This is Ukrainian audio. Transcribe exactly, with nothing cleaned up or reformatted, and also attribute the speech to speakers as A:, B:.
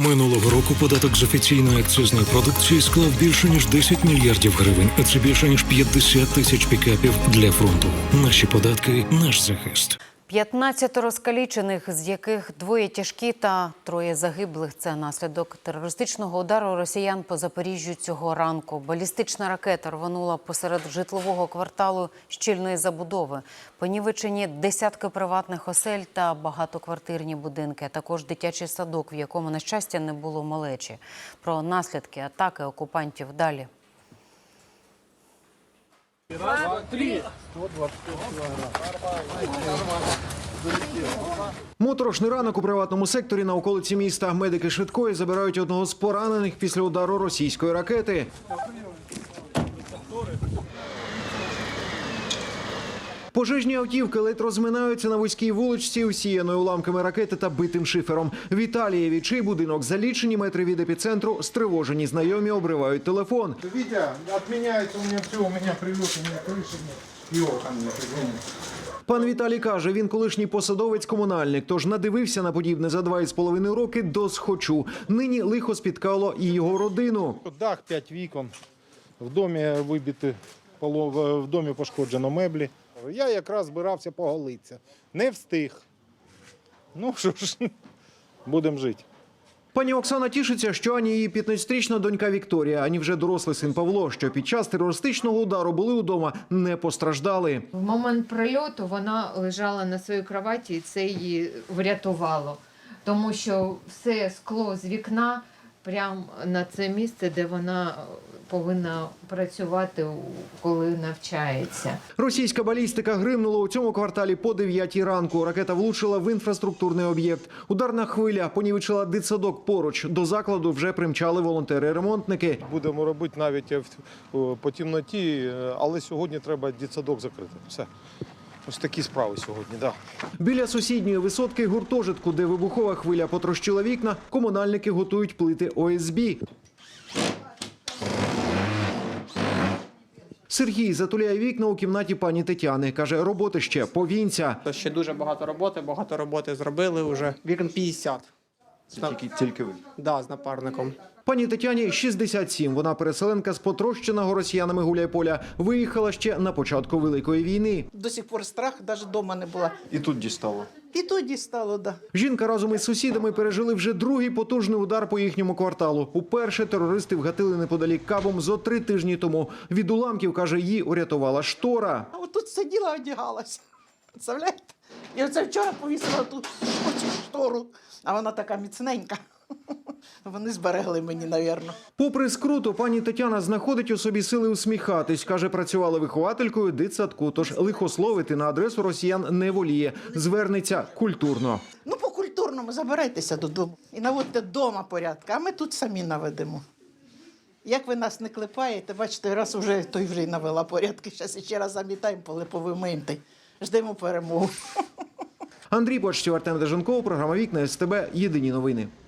A: Минулого року податок з офіційної акцизної продукції склав більше ніж десять мільярдів гривень, а це більше ніж п'ятдесят тисяч пікапів для фронту. Наші податки – наш захист.
B: п'ятнадцять розкалічених, з яких двоє тяжкі та троє загиблих. Це наслідок терористичного удару росіян по Запоріжжю цього ранку. Балістична ракета рванула посеред житлового кварталу щільної забудови. Понівечені десятки приватних осель та багатоквартирні будинки, а також дитячий садок, в якому, на щастя, не було малечі. Про наслідки атаки окупантів далі.
C: Раз, два, три.
D: Моторошний ранок у приватному секторі на околиці міста. Медики швидкої забирають одного з поранених після удару російської ракети. Пожежні автівки ледь розминаються на вузькій вуличці, усіяною уламками ракети та битим шифером. В Італії, чий будинок за лічені метри від епіцентру, стривожені знайомі обривають телефон.
C: Витя, отменяется у меня все, у меня прилет, у меня крыши нет. И окон нет, извини.
D: Пан Віталій каже, він колишній посадовець-комунальник, тож надивився на подібне за два з половиною роки до схочу. Нині лихо спіткало і його родину.
C: Дах, п'ять вікон, в домі вибиті, в домі пошкоджено меблі. Я якраз збирався поголитися. Не встиг. Ну що ж, будемо жити.
D: Пані Оксана тішиться, що ані її п'ятнадцятирічна донька Вікторія, ані вже дорослий син Павло, що під час терористичного удару були вдома, не постраждали.
E: В момент прильоту вона лежала на своїй кроваті, і це її врятувало. Тому що все скло з вікна прямо на це місце, де вона повинна працювати, коли навчається.
D: Російська балістика гримнула у цьому кварталі по дев'ятій ранку. Ракета влучила в інфраструктурний об'єкт. Ударна хвиля понівечила дитсадок поруч. До закладу вже примчали волонтери-ремонтники.
C: Будемо робити навіть по темноті, але сьогодні треба дитсадок закрити. Все. Ось такі справи сьогодні, так. Да.
D: Біля сусідньої висотки гуртожитку, де вибухова хвиля потрощила вікна, комунальники готують плити О С Б. Сергій затуляє вікна у кімнаті пані Тетяни. Каже, роботи ще повінця.
F: Ще дуже багато роботи, багато роботи зробили вже. Вікон п'ятдесят.
D: Тільки, тільки ви?
F: Так, да, з напарником.
D: Пані Тетяні шістдесят сім. Вона переселенка з потрощеного росіянами Гуляйполя. Виїхала ще на початку Великої війни.
G: До сих пор страх, навіть вдома не була.
D: І тут дістало?
G: І тут дістало, так. Да.
D: Жінка разом із сусідами пережили вже другий потужний удар по їхньому кварталу. Уперше терористи вгатили неподалік Кабом зо три тижні тому. Від уламків, каже, її урятувала штора.
G: А от тут сиділа, одягалася. Представляєте? І оце вчора повісила ту штору, а вона така міцненька. Вони зберегли мені, навірно.
D: Попри скруту, пані Тетяна знаходить у собі сили усміхатись. Каже, працювала вихователькою дитсадку, тож лихословити на адресу росіян не воліє. Звернеться культурно.
G: Ну, по-культурному забирайтеся додому і наводьте вдома порядок, а ми тут самі наведемо. Як ви нас не клепаєте, бачите, раз уже той вже й навела порядки, зараз ще раз замітаємо, поле повимиємо, ждемо перемогу.
D: Андрій Почтів, Артем Деженков, програма «Вікна СТБ». Єдині новини.